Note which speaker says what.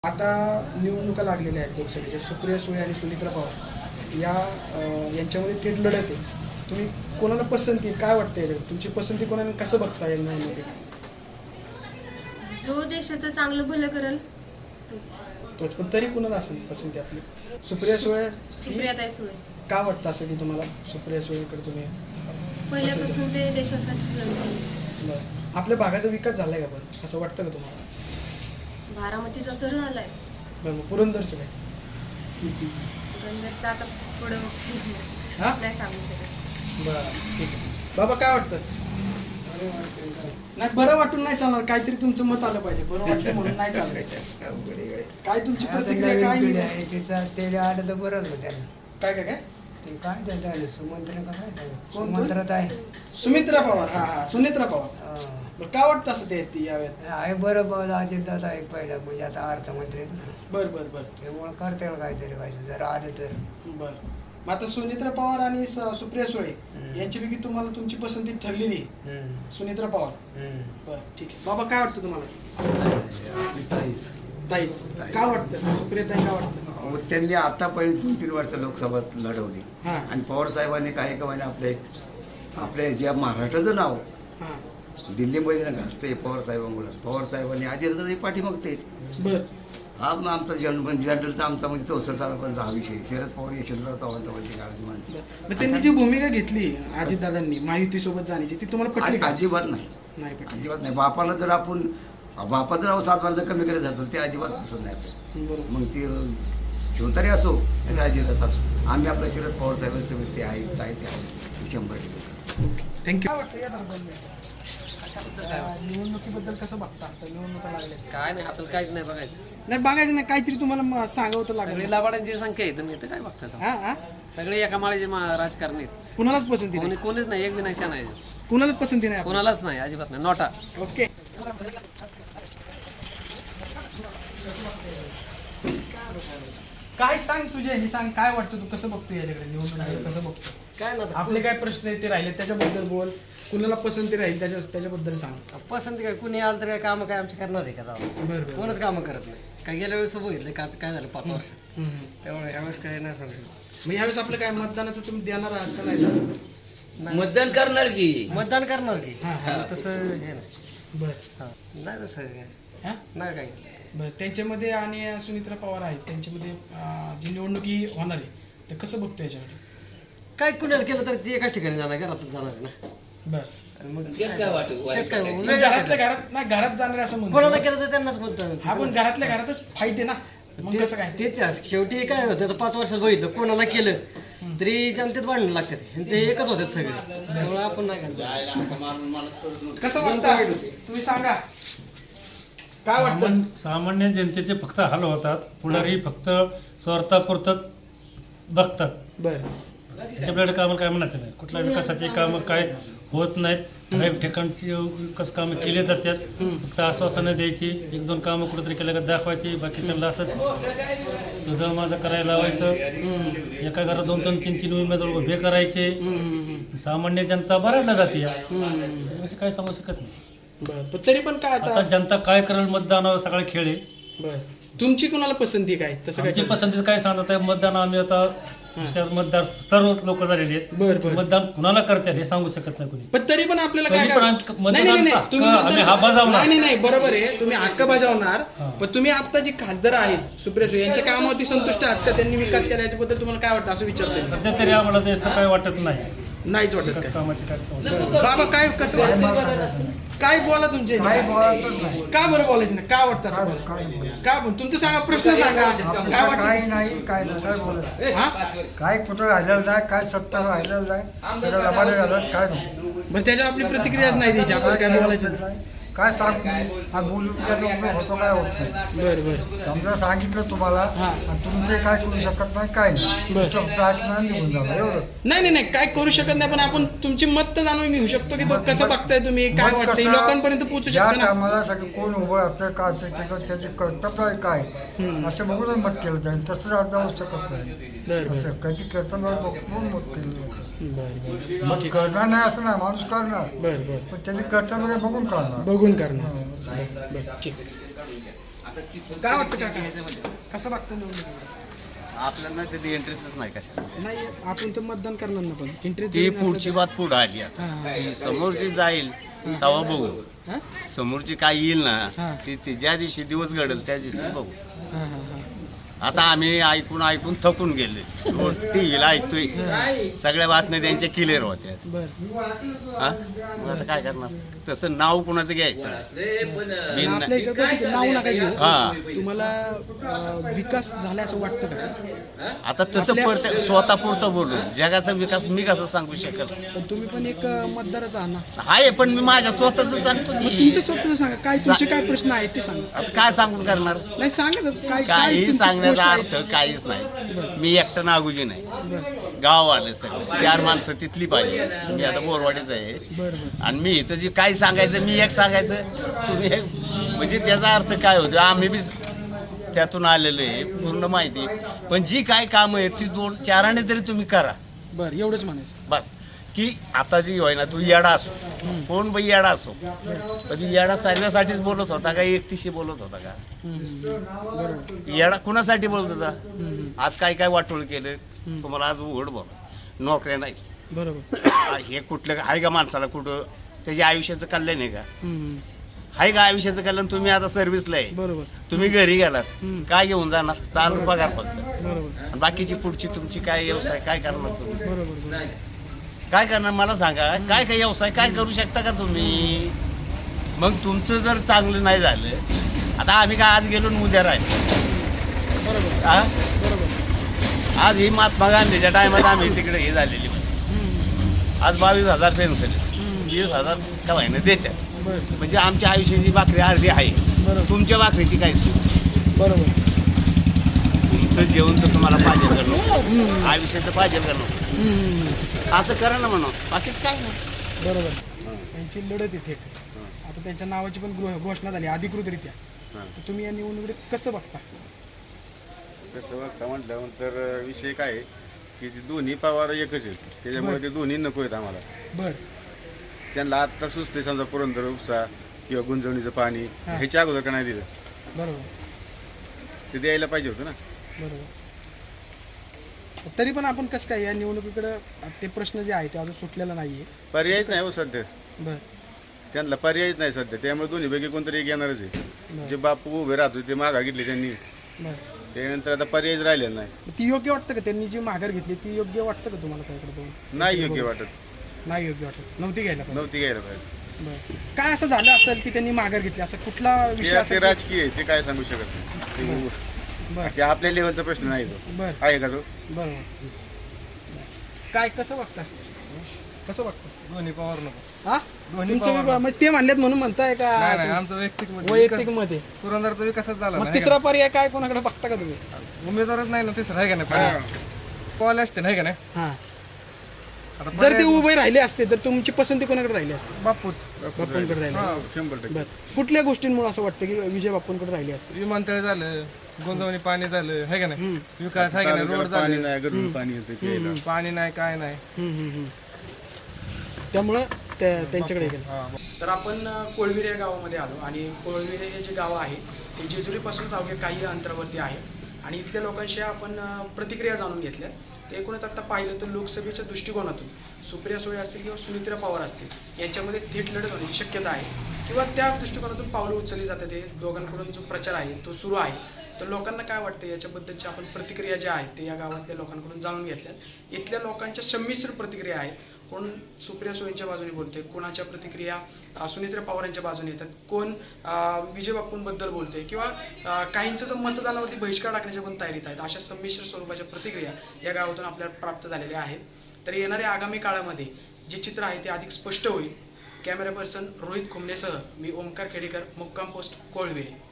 Speaker 1: आता निवडणुका लागलेल्या आहेत लोकसभेच्या. सुप्रिया सुळे आणि सुनित्रा पवार यांच्यामध्ये थेट लढत आहे. तुम्ही कोणाला पसंती, काय वाटतं याच्याकडे तुमची पसंती कोणाला, कसं बघता येईल निवडणुकीत?
Speaker 2: जो देशाचं चांगलं भलं करेल
Speaker 1: तोच. पण तरी कोणाला असेल पसंती आपली? सुप्रिया सुळे.
Speaker 2: सुप्रियाताई सुळे.
Speaker 1: का वाटतं असं की तुम्हाला सुप्रिया सुळेकडे तुम्ही
Speaker 2: पहिल्यापासून ते देशासाठीच लढले.
Speaker 1: बरं. आपल्या भागाचा विकास झालाय का पण असं वाटतं का तुम्हाला?
Speaker 2: बारामतीचा तर झालाय.
Speaker 1: बरं. मग पुरंदरचं काय?
Speaker 2: पुरंदरचा आता पुढं
Speaker 1: हा?
Speaker 2: नाही सांगू शकत.
Speaker 1: बरं, ठीक आहे. बाबा काय वाटतं? नाही, बरं वाटून नाही चालणार, काहीतरी तुमचं मत आलं पाहिजे. बरं वाटतं म्हणून नाही चालणार. काय तुमची प्रतिक्रिया काय?
Speaker 3: ते आलं तर बरंच होतं त्यांना.
Speaker 1: काय काय काय
Speaker 3: ते काय त्याचं सुमंत्र का काय
Speaker 1: कोण?
Speaker 3: सुमंत्रात आहे.
Speaker 1: सुमित्रा पवार. हा, सुनित्रा पवार. बरं, काय वाटतं असं ते ती यावेळेत?
Speaker 3: आहे बरं बरं अजितदादा आहे पहिला, म्हणजे आता अर्थमंत्री आहेत ना.
Speaker 1: बरं बरं बरं
Speaker 3: त्यामुळे करता येईल काहीतरी व्हायचं जर आलं तर.
Speaker 1: बरं. मग आता सुनित्रा पवार आणि सुप्रिया सुळे यांच्यापैकी तुम्हाला तुमची पसंती ठरली नाही? सुनित्रा पवार. बरं, ठीक आहे. बाबा काय वाटतं तुम्हाला? ताईच. का वाटतं सुप्रियाताई, का वाटतं?
Speaker 4: त्यांनी आतापर्यंत 2-3 वर्ष लोकसभा लढवली
Speaker 1: हां
Speaker 4: आणि पवार साहेबांनी काही कमाने आपले जे महाराष्ट्राचं नाव
Speaker 1: हां.
Speaker 4: दिल्लीमध्ये ना गाजतंय पवार साहेबांमुळे. पवार साहेबांनी अजितदादा पाठीमागचे आहेत.
Speaker 1: बरं.
Speaker 4: हा आमचा जनरलचा आमचा म्हणजे 64 सालापर्यंत हा विषय. शरद पवार यशवंतराव चव्हाण काळाची माणसं.
Speaker 1: मग त्यांनी जी भूमिका घेतली अजितदादांनी महायुतीसोबत जाण्याची, ती तुम्हाला पटली का?
Speaker 4: अजिबात नाही,
Speaker 1: नाही पटली.
Speaker 4: अजिबात नाही. बापाला जर आपण बापाचं नाव 7 वर्ष कमी करत जातो ते अजिबात पसंत नाही आपल्याला.
Speaker 1: बरोबर.
Speaker 4: मग ती शिवतारे असो आणि अजितदादा असो, आम्ही आपल्या शरद पवार साहेबांचे व्यक्ती आहेत, ते आहेत 100%.
Speaker 1: थँक्यू. काय वाटतं या निवडणुकीबद्दल कसं बघता? आता निवडणुका लागल्या.
Speaker 5: काय नाही, आपल्याला काहीच नाही बघायचं.
Speaker 1: नाही बघायचं नाही, काहीतरी तुम्हाला सांगावं तर लागेल.
Speaker 5: सगळी लाभाड्यांची संख्या आहे, तर काय बघतात?
Speaker 1: हा हा.
Speaker 5: सगळे एका माळेचे राजकारणी आहेत.
Speaker 1: कुणालाच पसंती नाही?
Speaker 5: कोणीच नाही, एक बी नाही शान आहे.
Speaker 1: कुणालाच पसंती नाही आपल्याला?
Speaker 5: कोणालाच नाही, अजिबात नाही. नोटा.
Speaker 1: ओके. काय सांग तुझे हे सांग, काय वाटतं, तू कसं बघतो याच्याकडे, निवडणुकीकडे कसं बघतो?
Speaker 6: काय ना
Speaker 1: आपले काय प्रश्न आहेत ते राहिले त्याच्याबद्दल बोल. कुणाला पसंती राहील त्याच्याबद्दल सांग.
Speaker 6: पसंती काय, कुणी आलं तर काय कामं काय आमची करणार आहे का जाऊ?
Speaker 1: बरं बरं.
Speaker 6: कोणच कामं करत नाही. काय गेल्या वेळेस बघितलं का काय झालं 5 वर्ष, त्यामुळे यावेळेस काय नाही सांगू शकत.
Speaker 1: मग यावेळेस आपलं काय मतदानाचं तुम्ही देणार आहात का नाही?
Speaker 6: नाही.
Speaker 5: मतदान करणार की
Speaker 6: मतदान करणार की
Speaker 1: हा, हा.
Speaker 6: तसं हे नाही.
Speaker 1: बरं.
Speaker 6: हा. नाही तसं काय
Speaker 1: हा.
Speaker 6: नाही काही.
Speaker 1: बरं. त्यांच्यामध्ये आणि सुनित्रा पवार आहेत, त्यांच्यामध्ये जी निवडणुकी होणार आहे तर कसं बघतो याच्यामध्ये?
Speaker 6: काय कुणाला केलं तर ती एकाच ठिकाणी जाणार, घरातच जाणार आहे ना.
Speaker 1: बरं.
Speaker 6: आणि मग
Speaker 5: त्यात काय वाटत?
Speaker 6: त्यात काय
Speaker 1: मग
Speaker 6: वेगळं
Speaker 1: घरातल्या
Speaker 6: काय?
Speaker 1: घरात नाही, घरात जाणार असं
Speaker 6: कोणाला
Speaker 1: म्हणतो.
Speaker 6: केलं तर त्यांनाच मतदान.
Speaker 1: हा, पण घरातल्या घरातच फाईट आहे ना, मग कसं काय?
Speaker 6: ते शेवटी काय होतं, आता 5 वर्षात बघितलं कोणाला केलं तरी जनतेत भांडणं लागतात. ह्यांचे एकच होतात सगळे, त्यामुळे आपण नाही घालतो.
Speaker 1: कसं वाटतं तुम्ही सांगा, काय वाटतं?
Speaker 7: सामान्य जनतेचे फक्त हाल होतात. पुढारी फक्त स्वार्थापुरतं बघतात.
Speaker 1: बरं.
Speaker 7: आपल्याकडे कामाला काय म्हणायचं नाही. कुठल्या विकासाचे कामं काय होत नाहीत. काही ठिकाणची विकास कामं केले जातात. फक्त आश्वासनं द्यायची, 1-2 कामं कुठेतरी केलं का दाखवायची, बाकी त्यांना असं तुझं माझं करायला लावायचं. एका घरात 2-2, 3-3 उमेदवार उभे करायचे. सामान्य जनता बऱ्याचला जाते. असे काही सांगू शकत नाही.
Speaker 1: बरं. पण तरी पण काय
Speaker 7: आता
Speaker 1: आता?
Speaker 7: जनता काय करेल मतदानावर सगळा खेळ आहे.
Speaker 1: बरं. तुमची कुणाला पसंती काय तसं काय?
Speaker 7: आमची पसंती काय सांगत आहे, मतदान आम्ही आता मतदार सर्व लोक झालेले आहेत.
Speaker 1: बरं बरं.
Speaker 7: मतदान कुणाला करतात हे सांगू शकत नाही कोणी.
Speaker 1: पण तरी पण आपल्याला
Speaker 7: तरी
Speaker 1: काय
Speaker 7: पण
Speaker 1: काय-
Speaker 7: आमचं
Speaker 1: नाही नाही नाही,
Speaker 7: मतदानाचा
Speaker 1: तुम्ही
Speaker 7: हक्क आम्ही हा
Speaker 1: मतदान-
Speaker 7: बजावणार.
Speaker 1: नाही नाही, बरोबर आहे, तुम्ही हक्क बजावणार.
Speaker 7: हा.
Speaker 1: पण तुम्ही आता जी खासदार आहेत सुप्रिया सुळे यांच्या कामावरती संतुष्ट आहात का? त्यांनी विकास केला याच्याबद्दल तुम्हाला काय वाटतं असं विचारतोय मी.
Speaker 7: सध्या तरी आम्हाला ते असं काय वाटत नाही.
Speaker 1: नाहीच वाटत
Speaker 7: विकास
Speaker 1: काय?
Speaker 7: कामाची काय समज.
Speaker 1: बाबा काय कसं वाटतं? काय बोला तुमचे?
Speaker 3: काय बोलायचंच नाही.
Speaker 1: का बरं बोलायचं नाही? काय वाटतं असं बोला? का पण तुमचं सांगा, प्रश्न सांगा. काय
Speaker 3: काय
Speaker 1: वाटतं?
Speaker 3: नाही, काय नाही, काय बोलायचं.
Speaker 1: हा?
Speaker 3: काय कुठं राहिलेलं नाही, काय सत्ता राहिलेलं नाही, सगळं लबाडे झालं, काय नको.
Speaker 1: बरं, त्याच्यावर आपली प्रतिक्रियाच नाही द्यायची, आपल्याला काय बोलायचं नाही.
Speaker 3: काय सांग, हा बोलून काय उपयोग होतो, काय होत नाही.
Speaker 1: बरं बरं.
Speaker 3: समजा सांगितलं तुम्हाला
Speaker 1: हा.
Speaker 3: आणि तुम्ही ते काय करू शकत नाही, काय नाही.
Speaker 1: बरं.
Speaker 3: फक्त ऐकणार निघून जाणार एवढं.
Speaker 1: नाही नाही नाही, काय करू शकत नाही, पण आपण तुमची मत तर जाणून घेऊ शकतो की तो
Speaker 3: मत-
Speaker 1: कसं
Speaker 3: मत-
Speaker 1: बघताय तुम्ही, काय
Speaker 3: मग
Speaker 1: वाटतंय,
Speaker 3: कसं-
Speaker 1: लोकांपर्यंत पोहोचू
Speaker 3: ज्या
Speaker 1: शकतो ना.
Speaker 3: टायमाला सगळं कोण उभं असतं काय त्याचं त्याचे कर्तव्य आहे काय असं बघूनच मत केलं जाईल. तसं आज जाऊ शकत नाही.
Speaker 1: बरं बरं.
Speaker 3: असं कधी कर्तव्य बघून मत केलं जातं.
Speaker 1: बरं
Speaker 3: मत करणार नाही असं नाही, माणूस करणार,
Speaker 1: बरं बरं.
Speaker 3: पण त्याचे कर्तव्य बघून करणार.
Speaker 1: बघून करणार. बरं बरं, ठीक. काय वाटतं काका कसं बघतं निवडणुकीकडे?
Speaker 8: आपल्याला त्याची इंटरेस्टच नाही कशा
Speaker 1: नाही आपण तर मतदान करणार ना, पण इंटरेस्ट
Speaker 8: ती पुढची बात पुढं आली आता ती समोरची जाईल तेव्हा बघू समोरची काय येईल ना ती ज्या दिवशी दिवस घडेल त्या दिवशी बघू आता आम्ही ऐकून ऐकून थकून गेले टीव्हीला ऐकतोय सगळ्या बातम्या त्यांच्या क्लिअर होत्या हा मग आता काय करणार तसं नाव कुणाचं घ्यायचं
Speaker 1: आपल्या इकडे नाव नका घेऊ.
Speaker 8: हा
Speaker 1: तुम्हाला विकास झाला असं वाटतं का?
Speaker 8: आता तसं पडतं स्वतः पुरतं बोललो जगाचा विकास मी कसं सांगू शकल
Speaker 1: पण तुम्ही पण एक मतदारच आहात ना.
Speaker 8: आहे पण मी माझ्या स्वतःच सांगतो
Speaker 1: मग
Speaker 8: की
Speaker 1: तुमचं स्वतःचं सांगा, काय तुमचे काय प्रश्न आहेत ते सांगा.
Speaker 8: आता काय सांगून करणार
Speaker 1: नाही सांगा ना, काय
Speaker 8: काही
Speaker 1: तुमची
Speaker 8: सांगण्याचा
Speaker 1: गोष्ट आहे?
Speaker 8: अर्थ काहीच नाही मी एकटं नागुजी नाही
Speaker 1: बरं
Speaker 8: गाव आलं सगळं 4 माणसं तिथली पाहिजे मी आता बोरवाडीच आहे
Speaker 1: बरं
Speaker 8: आणि मी इथं जे काय सांगायचं मी एक सांगायचं तुम्ही एक म्हणजे त्याचा अर्थ काय होतो आम्ही बी त्यातून आलेलो आहे पूर्ण माहिती पण जी काय कामं आहेत ती 2-4 आणे तरी तुम्ही करा
Speaker 1: बरं एवढंच म्हणायचं.
Speaker 8: बस की आता जी होय ना तू येडा असो कोण बाई येडा असो पण तू येडा सर्व्यासाठीच बोलत होता का एकटीशी बोलत होता का
Speaker 1: बरोबर.
Speaker 8: येडा कुणासाठी बोलत होता आज काय काय वाटोळ केलं तुम्हाला आज उघड बोल नोकऱ्या नाही
Speaker 1: बरोबर.
Speaker 8: हे कुठलं आहे का माणसाला कुठं त्याच्या आयुष्याचं कल्याण आहे का आहे का आयुष्याचं कल्याण तुम्ही आता सर्व्हिसला आहे
Speaker 1: बरोबर
Speaker 8: तुम्ही घरी गेलात काय घेऊन जाणार चालू पगार फक्त
Speaker 1: बरोबर
Speaker 8: आणि बाकीची पुढची तुमची काय व्यवसाय काय करणार तुम्ही
Speaker 1: बरोबर.
Speaker 8: काय करणार मला सांगा काय काय व्यवसाय काय करू शकता का तुम्ही मग तुमचं जर चांगलं नाही झालं आता आम्ही काय आज गेलो आणि उद्या राहिलो
Speaker 1: बरोबर
Speaker 8: हा
Speaker 1: बरोबर.
Speaker 8: आज ही महात्मा गांधीच्या टायमात आम्ही तिकडे हे झालेली आज 22,000 पेन्शन 20,000 का महिने देतात
Speaker 1: बरं
Speaker 8: म्हणजे आमच्या आयुष्याची भाकरी अर्धी आहे
Speaker 1: बरोबर
Speaker 8: तुमच्या भाकरीची काय सूट
Speaker 1: बरोबर.
Speaker 8: तुमचं जेवण तर तुम्हाला पाहिजे करणं आयुष्याचं पाहिजे करणं असं करा ना म्हणून बाकीच काय नाही
Speaker 1: बरोबर. त्यांची लढत इथे आता त्यांच्या नावाची पण घोषणा झाली अधिकृतरित्या. तर तुम्ही या निवडणुकीत कसं बघता?
Speaker 9: कसं बघता म्हटल्यानंतर विषय काय आहे की ते दोन्ही पवार एकच आहेत त्याच्यामुळे ते दोन्ही नको आहेत आम्हाला.
Speaker 1: बरं
Speaker 9: त्यांना आत्ता सुचते समजा पुरंदर उपसा किंवा गुंजवणीचं पाणी ह्याच्या अगोदर का नाही दिलं
Speaker 1: बरोबर
Speaker 9: ते द्यायला पाहिजे होतं ना.
Speaker 1: बरोबर. तरी पण आपण कसं काय या निवडणुकीकडे ते प्रश्न जे आहे ते अजून सुटलेला नाहीये.
Speaker 9: पर्यायच नाही हो सध्या
Speaker 1: बरं
Speaker 9: त्यांना पर्यायच नाही सध्या त्यामुळे दोन्हीपैकी कोणतरी एक येणारच आहे.
Speaker 1: बरं
Speaker 9: जे बापू उभे राहतो ते माघार घेतली त्यांनी
Speaker 1: बरं.
Speaker 9: त्यानंतर आता पर्यायच राहिलेला नाही.
Speaker 1: ती योग्य वाटतं का त्यांनी जी माघार घेतली ती योग्य वाटतं का तुम्हाला त्याकडे बघून?
Speaker 9: नाही योग्य वाटत
Speaker 1: नाही योग्य वाटत नव्हती घ्यायला पाहिजे.
Speaker 9: नव्हती घ्यायला पाहिजे.
Speaker 1: बरं काय असं झालं असेल की त्यांनी माघार घेतली असं कुठला विषय
Speaker 9: ते
Speaker 1: असेल की-
Speaker 9: राजकीय आहे ते काय सांगू शकत नाही
Speaker 1: बरं
Speaker 9: ते आपल्या लेवलचा प्रश्न नाही तो
Speaker 1: बरं
Speaker 9: आहे का तो.
Speaker 1: बरोबर. काय कसं बघता कसं बघता?
Speaker 6: दोन्ही पवार नको
Speaker 1: हा तुमचं मग ते म्हणलेत म्हणून म्हणताय का
Speaker 6: आमचं
Speaker 1: वैयक्तिक मध्ये
Speaker 6: पुरंदरचा विकासच झाला
Speaker 1: मग तिसरा पर्याय काय कोणाकडे बघता का तुम्ही?
Speaker 6: उमेदवारच नाही ना तिसरा आहे का नाही कॉल असते नाही का नाही
Speaker 1: हा जर ते उभे राहिले असते तर तुमची पसंती कोणाकडे राहिली असते?
Speaker 6: बापूच
Speaker 1: बाप्पांकडे राहिली असते.
Speaker 9: 100%.
Speaker 1: बरं कुठल्या गोष्टींमुळे असं वाटतं की विजय बाप्पांकडे राहिली असते?
Speaker 6: विमानतळ झालं गुंजवणी पाणी झालं आहे का नाही विकास आहे का नाही रोड
Speaker 9: तालुक्याला पाणी
Speaker 6: झाले
Speaker 9: नाही गरजून पाणी येतं प्यायला.
Speaker 6: पाणी नाही काय नाही
Speaker 1: त्यामुळं त्यांच्याकडे गेलं. तर आपण कोळविरे या गावामध्ये आलो आणि कोळविरे हे जे गाव आहे ते जेजुरीपासूनच अवघे काही अंतरावरती आहे आणि इथल्या लोकांशी आपण प्रतिक्रिया जाणून घेतल्या. तर एकूणच आता पाहिलं तर लोकसभेच्या दृष्टिकोनातून सुप्रिया सुळे असतील किंवा सुनित्रा पवार असतील यांच्यामध्ये थेट लढत होण्याची शक्यता आहे किंवा त्या दृष्टिकोनातून पावलं उचलली जातात. हे दोघांकडून जो प्रचार आहे तो सुरू आहे. तर लोकांना काय वाटतं याच्याबद्दलची आपण प्रतिक्रिया ज्या आहेत ते या गावातल्या लोकांकडून जाणून घेतल्यात. इथल्या लोकांच्या संमिश्र प्रतिक्रिया आहेत. कोण सुप्रिया सुळेंच्या बाजूने बोलते, कोणाच्या प्रतिक्रिया सुनित्रा पवारांच्या बाजूने येतात, कोण विजय बाप्पूंबद्दल बोलते किंवा काहींचं जर मतदानावरती बहिष्कार टाकण्याच्या पण तयारीत आहेत. अशा संमिश्र स्वरूपाच्या प्रतिक्रिया या गावातून आपल्याला प्राप्त झालेल्या आहेत. तर येणाऱ्या आगामी काळामध्ये जे चित्र आहे ते अधिक स्पष्ट होईल. कॅमेरा पर्सन रोहित खुमनेसह मी ओमकार खेडेकर, मुक्काम पोस्ट कोळविरे.